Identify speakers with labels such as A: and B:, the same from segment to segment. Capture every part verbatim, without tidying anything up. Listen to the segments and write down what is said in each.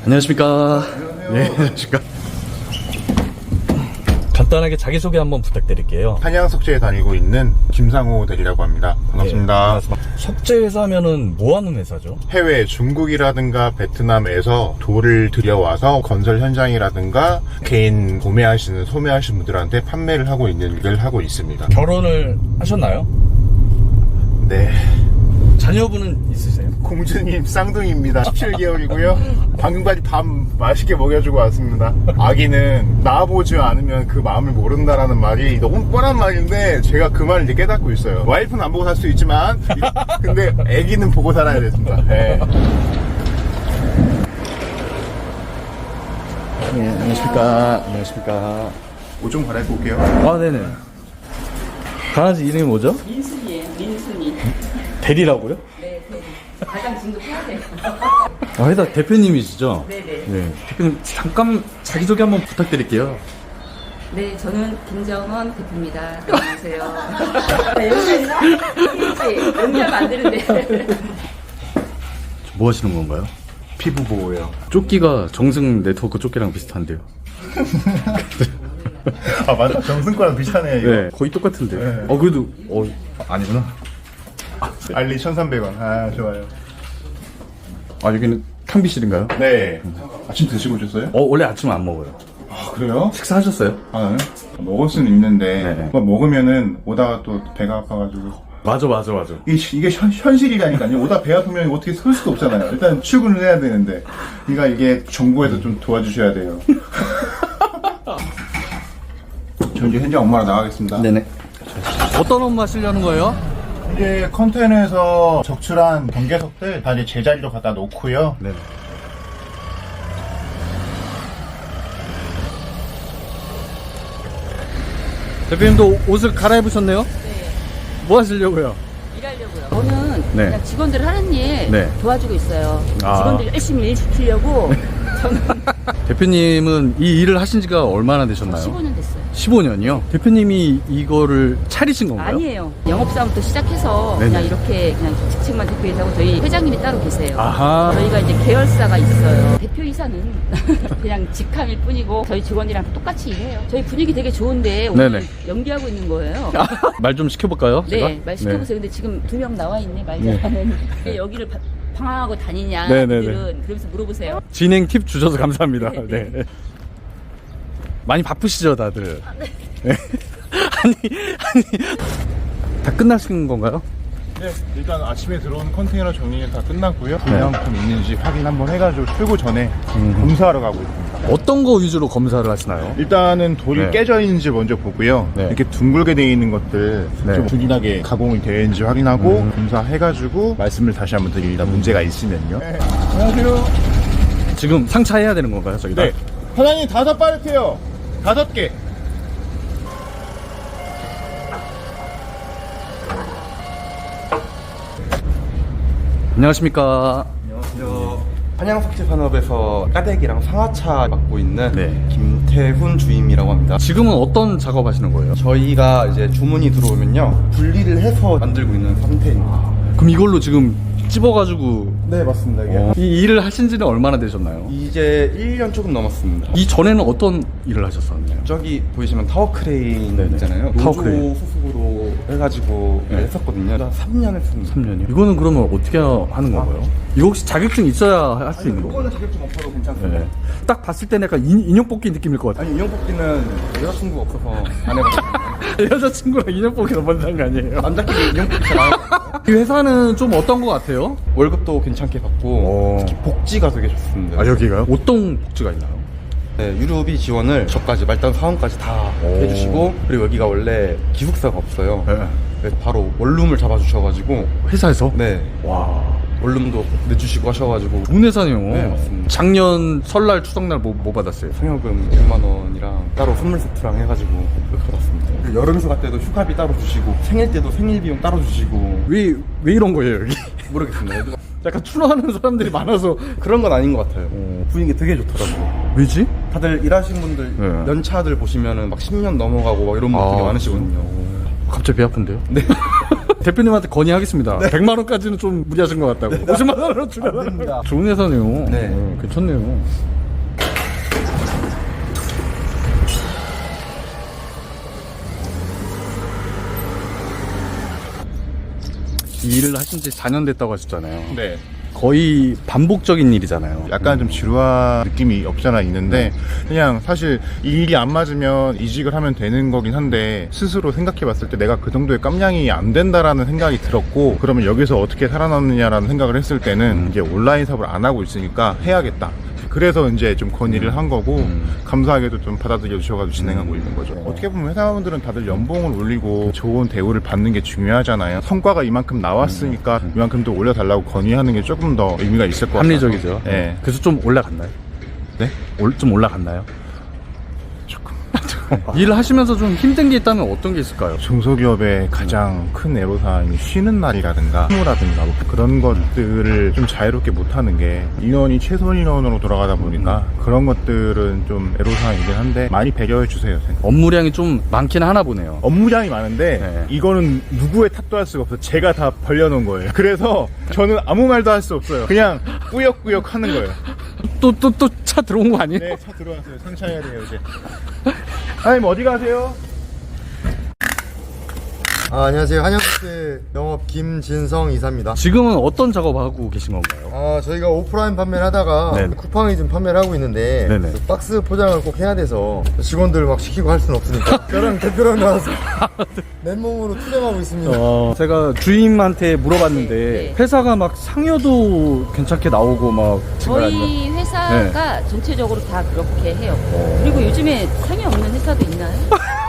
A: 안녕하십니까. 네, 안녕하십니까. 간단하게 자기소개 한번 부탁드릴게요.
B: 한양 석재에 다니고 있는 김상호 대리라고 합니다. 반갑습니다.
A: 네, 석재 회사면은 뭐 하는 회사죠?
B: 해외 중국이라든가 베트남에서 돌을 들여와서 건설 현장이라든가 개인 구매하시는 소매하시는 분들한테 판매를 하고 있는 일을 하고 있습니다.
A: 결혼을 하셨나요?
B: 네.
A: 자녀분은 있으세요?
B: 공주님 쌍둥이입니다. 십칠 개월이고요. 방금까지 밥 맛있게 먹여주고 왔습니다. 아기는 낳아보지 않으면 그 마음을 모른다라는 말이 너무 뻔한 말인데 제가 그 말을 이제 깨닫고 있어요. 와이프는 안 보고 살 수 있지만 근데 아기는 보고 살아야 됩니다. 네.
A: 네, 안녕하십니까. 안녕하십니까.
B: 옷 좀 갈아입고 올게요.
A: 아, 네네. 강아지 이름이 뭐죠?
C: 민순이에요, 민순이.
A: 대리라고요?
C: 네, 대리. 가장 진급해야 돼요.
A: 아, 회사 대표님이시죠?
C: 네네.
A: 네. 대표님, 잠깐 자기소개 한번 부탁드릴게요.
C: 네, 저는 김정원 대표입니다. 안녕하세요. 연기했나? 연기하면 안 되는데.
A: 뭐 하시는 건가요?
B: 피부 보호요.
A: 조끼가 정승 네트워크 조끼랑 비슷한데요.
B: 아 맞다. 정승과랑 비슷하네요. 이거.
A: 네, 거의 똑같은데.
B: 네.
A: 어, 그래도, 어, 아니구나.
B: 알리 천삼백 원. 아 좋아요.
A: 아, 여기는 탕비실인가요?
B: 네. 아침 드시고 오셨어요?
A: 어, 원래 아침은 안 먹어요.
B: 아 그래요?
A: 식사하셨어요?
B: 아 네. 먹을 수는 있는데
A: 네.
B: 그거 먹으면은 오다가 또 배가 아파가지고
A: 맞아, 맞아, 맞아.
B: 이게, 이게 현, 현실이라니까요. 오다 배 아프면 어떻게 설 수도 없잖아요. 일단 출근을 해야 되는데 그러니까 이게 정부에서 좀 도와주셔야 돼요. 저 이제 현장 엄마랑 나가겠습니다.
A: 네네. 어떤 업무 하시려는 거예요?
B: 이제 컨테이너에서 적출한 경계석들 다 이제 제자리로 갖다 놓고요.
A: 네. 대표님도 옷을 갈아입으셨네요?
C: 네,
A: 뭐 하시려고요?
C: 일하려고요. 저는
A: 네.
C: 그냥 직원들 하는 일
A: 네.
C: 도와주고 있어요.
A: 아.
C: 직원들 열심히 일 시키려고 저는
A: 대표님은 이 일을 하신 지가 얼마나 되셨나요?
C: 십오 년 됐어요.
A: 십오 년이요? 대표님이 이거를 차리신 건가요?
C: 아니에요. 영업사원부터 시작해서
A: 네네.
C: 그냥 이렇게 그냥 직책만 대표이사고 저희 회장님이 따로 계세요.
A: 아하.
C: 저희가 이제 계열사가 있어요. 대표이사는 그냥 직함일 뿐이고 저희 직원이랑 똑같이 일해요. 저희 분위기 되게 좋은데 오늘
A: 네네.
C: 연기하고 있는 거예요.
A: 말 좀 시켜볼까요? 제가?
C: 네, 말 시켜보세요. 근데 지금 두 명 나와 있네, 말 잘하는. 여기를 바- 방황하고 다니냐,
A: 네네네.
C: 그들은. 그러면서 물어보세요.
A: 진행 팁 주셔서 감사합니다. 네. 많이 바쁘시죠, 다들? 네. 아니, 아니. 다 끝나신 건가요?
B: 네, 일단 아침에 들어온 컨테이너 정리는 다 끝났고요. 불량품 있는지 확인 한번 해가지고 출고 전에
A: 음.
B: 검사하러 가고 있습니다.
A: 어떤 거 위주로 검사를 하시나요?
B: 일단은 돌이
A: 네.
B: 깨져 있는지 먼저 보고요.
A: 네.
B: 이렇게 둥글게 되어 있는 것들
A: 네.
B: 좀 균일하게 가공이 되어 있는지 확인하고
A: 음.
B: 검사해가지고 말씀을 다시 한번 드립니다. 문제가 있으면요. 네. 안녕하세요.
A: 지금 상차해야 되는 건가요, 저기다?
B: 네. 사장님 다섯 파레트요. 다섯 개.
A: 안녕하십니까.
D: 안녕하세요. 한양석재산업에서 까대기랑 상하차 맡고 있는
A: 네.
D: 김태훈 주임이라고 합니다.
A: 지금은 어떤 작업 하시는 거예요?
D: 저희가 이제 주문이 들어오면요 분리를 해서 만들고 있는 상태입니다.
A: 그럼 이걸로 지금 찝어가지고
D: 네 맞습니다. 이게
A: 어, 이 일을 하신 지는 얼마나 되셨나요?
D: 이제 일 년 조금 넘었습니다.
A: 이 전에는 어떤 일을 하셨었나요?
D: 저기 보이시면 타워 크레인
A: 네네.
D: 있잖아요.
A: 타워
D: 노조
A: 크레인.
D: 소속으로 해가지고
A: 네.
D: 했었거든요. 삼 년 했습니다.
A: 삼 년이요? 이거는 그러면 어떻게 하는 건가요? 이거 혹시 자격증 있어야 할 수 있는 건가요?
D: 이거는 자격증 없어도 괜찮습니다.
A: 네. 딱 봤을 때는 약간 인, 인형 뽑기 느낌일 것 같아요.
D: 아니 인형 뽑기는 여자친구가 없어서 안 해봤어요.
A: 여자친구랑 인형 뽑기 너무 상거 아니에요?
D: 남자끼리 인형 뽑기 잘 안 해요.
A: 이 회사는 좀 어떤 것 같아요?
D: 월급도 괜찮게 받고
A: 오.
D: 특히 복지가 되게 좋습니다.
A: 아, 여기가요? 어떤 복지가 있나요?
D: 네, 유류비 지원을 저까지 말단 사원까지 다
A: 오.
D: 해주시고 그리고 여기가 원래 기숙사가 없어요.
A: 네.
D: 그래서 바로 원룸을 잡아주셔가지고
A: 회사에서?
D: 네
A: 와.
D: 원룸도 내주시고 하셔가지고
A: 좋은 회사네요.
D: 네, 맞습니다.
A: 작년 설날 추석날 뭐, 뭐 받았어요?
D: 상여금 백만 원이랑 따로 선물 세트랑 해가지고 그렇게 받았습니다. 그리고 여름 휴가 때도 휴가비 따로 주시고 생일 때도 생일 비용 따로 주시고
A: 왜, 왜 이런 거예요, 여기?
D: 모르겠습니다.
A: 약간 추노하는 사람들이 많아서.
D: 그런 건 아닌 것 같아요.
A: 오.
D: 분위기 되게 좋더라고요.
A: 왜지?
D: 다들 일하신 분들
A: 네.
D: 연차들 보시면은 막 십 년 넘어가고 막 이런 분들 되게 많으시거든요.
A: 갑자기 배 아픈데요?
D: 네.
A: 대표님한테 건의하겠습니다. 백만 원까지는 좀 무리하신 것 같다고. 오십만 원으로 주면 좋은 회사네요.
D: 네.
A: 어, 괜찮네요. 이 일을 하신 지 사 년 됐다고 하셨잖아요.
B: 네.
A: 거의 반복적인 일이잖아요.
B: 약간 좀 지루한 느낌이 없잖아 있는데 그냥 사실 이 일이 안 맞으면 이직을 하면 되는 거긴 한데 스스로 생각해 봤을 때 내가 그 정도의 깜냥이 안 된다라는 생각이 들었고 그러면 여기서 어떻게 살아남느냐라는 생각을 했을 때는
A: 음.
B: 이제 온라인 사업을 안 하고 있으니까 해야겠다. 그래서 이제 좀 건의를 한 거고
A: 음.
B: 감사하게도 좀 받아들여 주셔가지고 진행하고 있는 거죠. 어떻게 보면 회사원들은 다들 연봉을 올리고 좋은 대우를 받는 게 중요하잖아요. 성과가 이만큼 나왔으니까 이만큼 더 올려달라고 건의하는 게 조금 더 의미가 있을 것 같아요.
A: 합리적이죠.
B: 네.
A: 그래서 좀 올라갔나요?
B: 네?
A: 올, 좀 올라갔나요?
B: 조금.
A: 일을 하시면서 좀 힘든 게 있다면 어떤 게 있을까요?
B: 중소기업의 가장 큰 애로사항이 쉬는 날이라든가 휴무라든가 뭐 그런 것들을 좀 자유롭게 못하는 게 인원이 최소 인원으로 돌아가다 보니까 그런 것들은 좀 애로사항이긴 한데 많이 배려해 주세요.
A: 업무량이 좀 많긴 하나 보네요.
B: 업무량이 많은데
A: 네.
B: 이거는 누구의 탓도 할 수가 없어요. 제가 다 벌려놓은 거예요. 그래서 저는 아무 말도 할 수 없어요. 그냥 꾸역꾸역 하는 거예요.
A: 또 또 또 차 들어온 거 아니에요?
B: 네, 차 들어왔어요. 상차해야 돼요 이제. 아님 어디 가세요?
E: 아, 안녕하세요. 한영국제 영업 김진성 이사입니다.
A: 지금은 어떤 작업하고 계신 건가요?
E: 아, 저희가 오프라인 판매를 하다가
A: 네네.
E: 쿠팡이즘 판매를 하고 있는데
A: 네네.
E: 그 박스 포장을 꼭 해야 돼서 직원들 막 시키고 할 수는 없으니까 저랑 대표랑 나와서 맨몸으로 투쟁하고 있습니다.
A: 어, 제가 주임한테 물어봤는데
C: 네, 네.
A: 회사가 막 상여도 괜찮게 나오고 막 지금 아니면-
C: 저희 회사가
A: 네.
C: 전체적으로 다 그렇게 해요. 그리고 요즘에 상이 없는 회사도 있나요?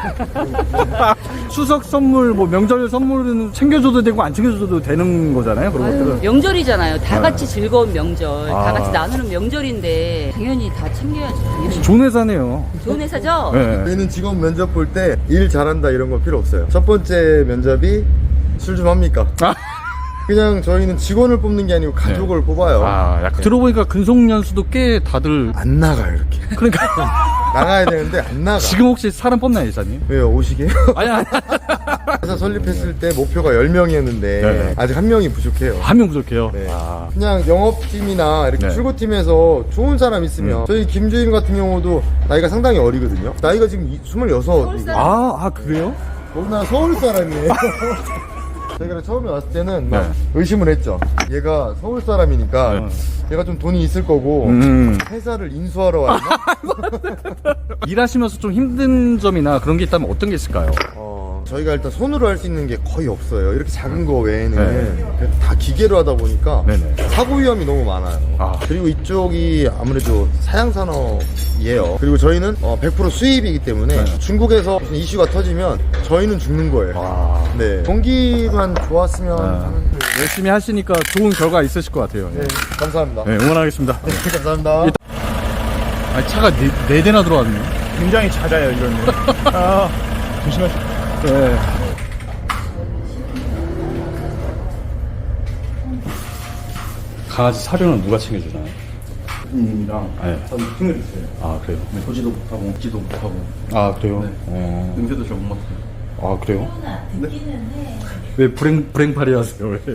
A: 추석 선물 뭐 명절 선물은 챙겨줘도 되고 안 챙겨줘도 되는 거잖아요. 그런
C: 아유,
A: 것들은.
C: 명절이잖아요. 다 같이 즐거운 명절,
A: 아.
C: 다 같이 나누는 명절인데 당연히 다 챙겨야죠. 당연히.
A: 좋은 회사네요.
C: 좋은 회사죠?
A: 네.
E: 저희는 직원 면접 볼 때 일 잘한다 이런 거 필요 없어요. 첫 번째 면접이 술 좀 합니까?
A: 아.
E: 그냥 저희는 직원을 뽑는 게 아니고 가족을 뽑아요.
A: 아, 약간 들어보니까 근속연수도 꽤 다들
E: 안 나가요, 이렇게.
A: 그러니까
E: 나가야 되는데 안 나가.
A: 지금 혹시 사람 뽑나요, 이사님?
E: 왜요? 오시게요?
A: 아니, 아니.
E: 회사 설립했을 때 목표가 열 명이었는데
A: 네.
E: 아직 한 명이 부족해요.
A: 한 명 부족해요.
E: 네.
A: 아.
E: 그냥 영업팀이나 이렇게
A: 네.
E: 출고팀에서 좋은 사람 있으면
A: 음.
E: 저희 김주임 같은 경우도 나이가 상당히 어리거든요. 나이가 지금 이- 스물여섯.
A: 아, 아, 그래요?
E: 나 서울 사람이에요. 제가 처음에 왔을 때는 막
A: 네.
E: 의심을 했죠. 얘가 서울 사람이니까
A: 네.
E: 얘가 좀 돈이 있을 거고
A: 음.
E: 회사를 인수하러 왔나?
A: 일하시면서 좀 힘든 점이나 그런 게 있다면 어떤 게 있을까요?
E: 어, 저희가 일단 손으로 할 수 있는 게 거의 없어요. 이렇게 작은 거 외에는
A: 네.
E: 다 기계로 하다 보니까
A: 네네.
E: 사고 위험이 너무 많아요.
A: 아.
E: 그리고 이쪽이 아무래도 사양산업이에요. 그리고 저희는 어, 백 퍼센트 수입이기 때문에
A: 네.
E: 중국에서 무슨 이슈가 터지면 저희는 죽는 거예요.
A: 아.
E: 네. 경기만 좋았으면
A: 아.
E: 하는
A: 열심히 하시니까 좋은 결과 있으실 것 같아요.
E: 네, 감사합니다.
A: 네, 응원하겠습니다.
E: 감사합니다.
A: 아, 차가 네, 네 대나 들어왔네요.
B: 굉장히 잦아요 이거는. 아, 조심하세요.
A: 네. 강아지 사료는 누가 챙겨주나요?
D: 님이랑
A: 네.
D: 저는 힘을 있어요.
A: 아, 그래요?
D: 보지도 못하고 먹지도 못하고
A: 아, 그래요?
D: 네.
A: 어.
D: 냄새도 잘 못 맡아요.
A: 아, 그래요? 왜 불행, 불행팔이 하세요? 왜?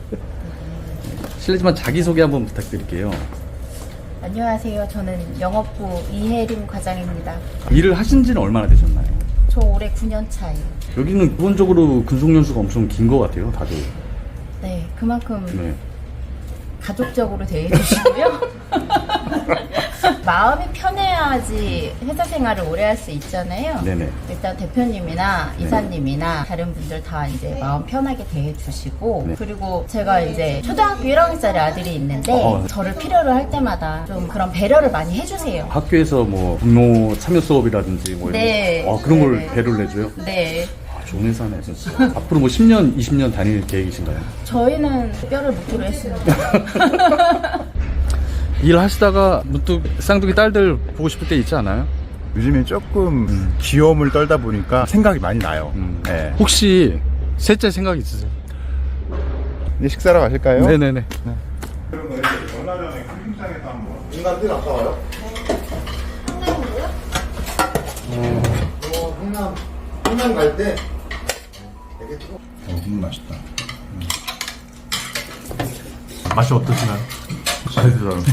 A: 실례지만 자기소개 한번 부탁드릴게요.
F: 안녕하세요. 저는 영업부 이혜림 과장입니다.
A: 일을 하신 지는 얼마나 되셨나요?
F: 저 올해 구 년 차예요.
A: 여기는 기본적으로 근속연수가 엄청 긴 것 같아요, 다들.
F: 네, 그만큼
A: 네.
F: 가족적으로 대해주시고요. 마음이 편해야지 회사 생활을 오래 할 수 있잖아요.
A: 네네.
F: 일단 대표님이나 이사님이나 다른 분들 다 이제 마음 편하게 대해주시고
A: 네.
F: 그리고 제가 이제 초등학교 일 학년짜리 아들이 있는데
A: 어.
F: 저를 필요로 할 때마다 좀 그런 배려를 많이 해주세요.
A: 학교에서 뭐 분노 참여 수업이라든지 뭐 이런
F: 네.
A: 거. 아, 그런 걸
F: 네네.
A: 배려를 해줘요?
F: 네,
A: 아, 좋은 회사네, 진짜. 앞으로 뭐 십 년, 이십 년 다닐 계획이신가요?
F: 저희는 뼈를 묻기로 했습니다.
A: 일하시다가 문득 쌍둥이 딸들 보고 싶을 때 있지 않아요?
B: 요즘에 조금 귀여움을 떨다 보니까 생각이 많이 나요.
A: 음.
B: 네.
A: 혹시 셋째 생각 있으세요?
B: 이제 식사하러 가실까요?
A: 네네네.
B: 그러면 얼마 전에 캠핑장에서 한번
E: 인간들 아까 와요? 성남이요? 어, 성남, 성남 갈 때 되게 또
B: 너무 맛있다.
A: 맛이 어떠시나요? 맛있어요.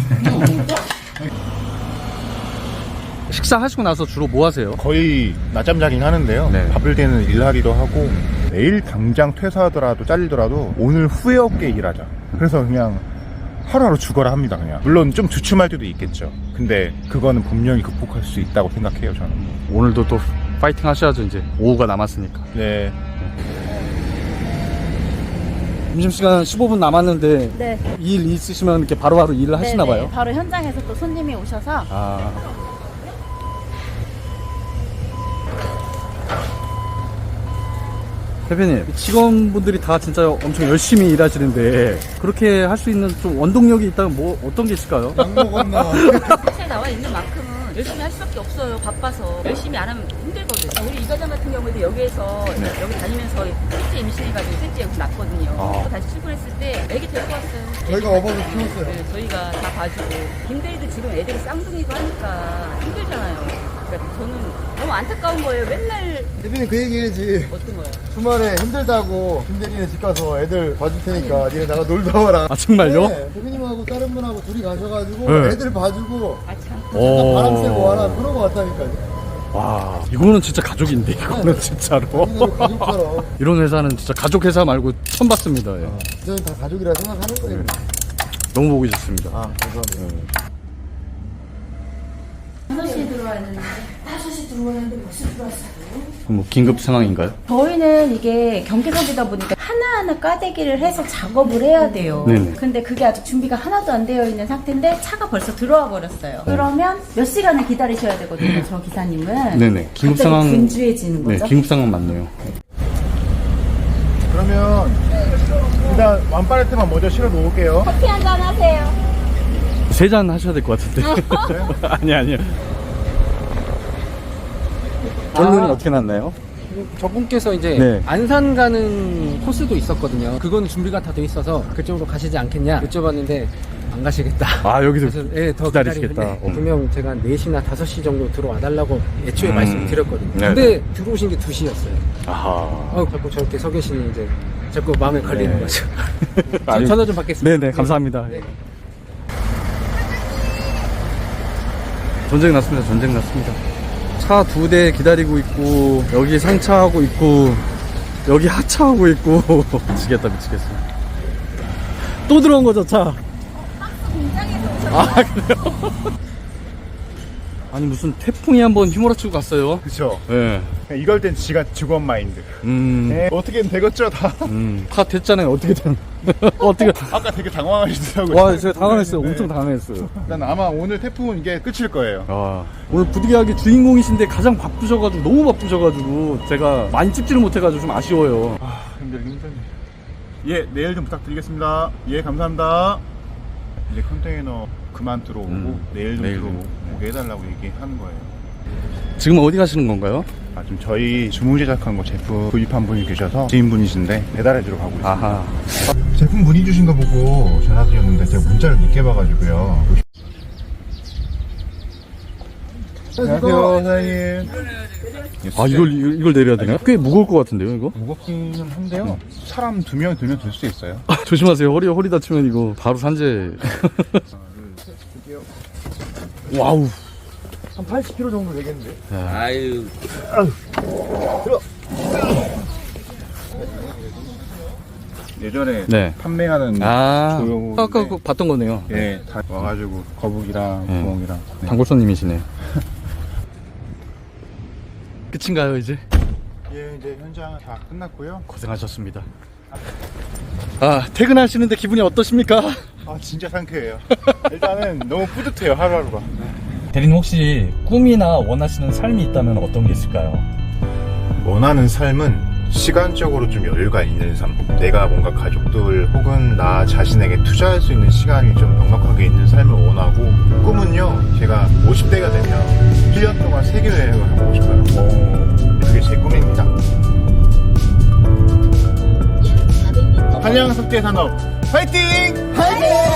A: 식사하시고 나서 주로 뭐 하세요?
B: 거의 낮잠 자긴 하는데요.
A: 네.
B: 바쁠 때는 일하기도 하고 내일 당장 퇴사하더라도 잘리더라도 오늘 후회 없게 일하자. 그래서 그냥 하루하루 죽어라 합니다. 그냥 물론 좀 주춤할 때도 있겠죠. 근데 그거는 분명히 극복할 수 있다고 생각해요. 저는.
A: 오늘도 또 파이팅 하셔야죠. 이제 오후가 남았으니까.
B: 네.
A: 점심시간 십오 분 남았는데
F: 네.
A: 일 있으시면 이렇게 바로바로 일을 하시나
F: 네네.
A: 봐요.
F: 바로 현장에서 또 손님이 오셔서
A: 아. 대표님, 직원분들이 다 진짜 엄청 열심히 일하시는데 그렇게 할 수 있는 좀 원동력이 있다면 뭐 어떤 게 있을까요?
E: 약 먹었나?
C: 회사에 나와 있는 만큼은 열심히 할 수밖에 없어요. 바빠서 열심히 안 하면 힘들거든요. 우리 이 과장 같은 경우에도 여기에서 여기 다니면서 셋째 임신해가지고 셋째 여기 낳거든요.
A: 아.
C: 또 다시 출근했을 때 애기 데리고 왔어요.
E: 저희가 업어서 키웠어요.
C: 네, 저희가 다 봐주고 김대리도 지금 애들이 쌍둥이고 하니까 힘들잖아요. 그러니까 저는 너무 안타까운 거예요. 맨날
E: 대표님 그 얘기 해야지.
C: 어떤 거예요?
E: 주말에 힘들다고 김대리네 집 가서 애들 봐줄 테니까 니네 나가 놀다 와라.
A: 아, 정말요?
E: 네, 대표님하고 다른 분하고 둘이 가셔가지고
A: 네.
E: 애들 봐주고
C: 아 참.
A: 오.
E: 바람 쐬고 와라 그러고 왔다니까요.
A: 와, 이거는 진짜 가족인데, 이거는 진짜로.
E: 우리는 가족처럼.
A: 이런 회사는 진짜 가족 회사 말고 처음 봤습니다. 예.
E: 저희 다 가족이라 생각하는 거예요.
A: 너무 보기 좋습니다.
E: 아, 감사합니다.
A: 뭐 긴급 상황인가요?
F: 저희는 이게 경계석이다 보니까 하나하나 까대기를 해서 작업을 해야 돼요.
A: 네네.
F: 근데 그게 아직 준비가 하나도 안 되어 있는 상태인데 차가 벌써 들어와 버렸어요. 그러면 몇 시간을 기다리셔야 되거든요, 저 기사님은.
A: 네네. 긴급
F: 갑자기
A: 상황.
F: 분주해지는
A: 네,
F: 거죠.
A: 긴급 상황 맞네요.
B: 그러면 일단 완파레트만 먼저 실어 놓을게요.
F: 커피 한잔 하세요.
A: 세 잔 하셔야 될 것 같은데. 아니, 아니요. 결론이
G: 아.
A: 어떻게 났나요?
G: 저분께서 이제
A: 네.
G: 안산 가는 코스도 있었거든요. 그거는 준비가 다 돼 있어서 그쪽으로 가시지 않겠냐 여쭤봤는데 안 가시겠다.
A: 아, 여기서
G: 그래서 예, 더
A: 기다리시겠다.
G: 기다리는데
A: 어.
G: 분명 제가 네 시나 다섯 시 정도 들어와 달라고 애초에
A: 음.
G: 말씀을 드렸거든요.
A: 네.
G: 근데 들어오신 게 두 시였어요.
A: 아하.
G: 어, 자꾸 저렇게 서 계시니 이제 자꾸 마음에 걸리는
A: 네.
G: 거죠.
A: 아니,
G: 전화 좀 받겠습니다.
A: 네네, 감사합니다.
G: 네.
A: 전쟁 났습니다. 전쟁 났습니다. 차 두 대 기다리고 있고, 여기 상차하고 있고, 여기 하차하고 있고. 미치겠다, 미치겠어. 또 들어온 거죠, 차? 아, 그래요? 아니, 무슨 태풍이 한번 휘몰아치고 갔어요.
B: 그쵸.
A: 예.
B: 네. 이럴 땐 지가 직원 마인드.
A: 음,
B: 네. 어떻게든 되겠죠, 다.
A: 음, 다 됐잖아요. 어떻게든. 어떻게.
B: 아까 되게 당황하시더라고요.
A: 와, 제가 당황했어요.
B: 네.
A: 엄청 당황했어요.
B: 난 아마 오늘 태풍은 이게 끝일 거예요.
A: 아, 오늘 부득이하게 주인공이신데 가장 바쁘셔가지고, 너무 바쁘셔가지고, 제가 많이 찍지를 못해가지고 좀 아쉬워요.
B: 아, 힘들긴 힘드네. 예, 내일 좀 부탁드리겠습니다. 예, 감사합니다. 이제 컨테이너 그만 들어오고,
A: 음,
B: 내일 좀
A: 내일
B: 들어오게 해달라고 얘기하는 거예요.
A: 지금 어디 가시는 건가요?
B: 아, 지금 저희 주문 제작한 거 제품 구입한 분이 계셔서 지인분이신데 배달해주러 가고 있습니다.
A: 아하.
B: 제품 문의 주신 거 보고 전화드렸는데 제가 문자를 늦게 봐가지고요. 안녕하세요, 사장님.
A: 아, 이걸, 이걸, 이걸 내려야 되나요? 꽤 무거울 것 같은데요, 이거?
B: 무겁기는 한데요. 사람 두 명 들면 들 수 있어요.
A: 아, 조심하세요. 허리, 허리 다치면 이거 바로 산재. 와우.
E: 한 팔십 킬로그램 정도 되겠는데?
B: 예전에
A: 네.
B: 판매하는
A: 아,
B: 조용.
A: 아까 그거 봤던 거네요.
B: 예, 다 와가지고 거북이랑
A: 네.
B: 구멍이랑. 네.
A: 단골 손님이시네. 끝인가요, 이제?
B: 예, 이제 현장 다 끝났고요.
A: 고생하셨습니다. 아, 퇴근하시는데 기분이 어떠십니까?
B: 아, 진짜 상쾌해요. 일단은 너무 뿌듯해요, 하루하루가.
A: 대리님 혹시 꿈이나 원하시는 삶이 있다면 어떤 게 있을까요?
B: 원하는 삶은 시간적으로 좀 여유가 있는 삶. 내가 뭔가 가족들 혹은 나 자신에게 투자할 수 있는 시간이 좀 넉넉하게 있는 삶을 원하고, 꿈은요, 제가 오십 대가 되면 일 년 동안 세계 여행을 하고 싶어요. 그게 제 꿈입니다. 한양석재 산업 화이팅! 화이팅!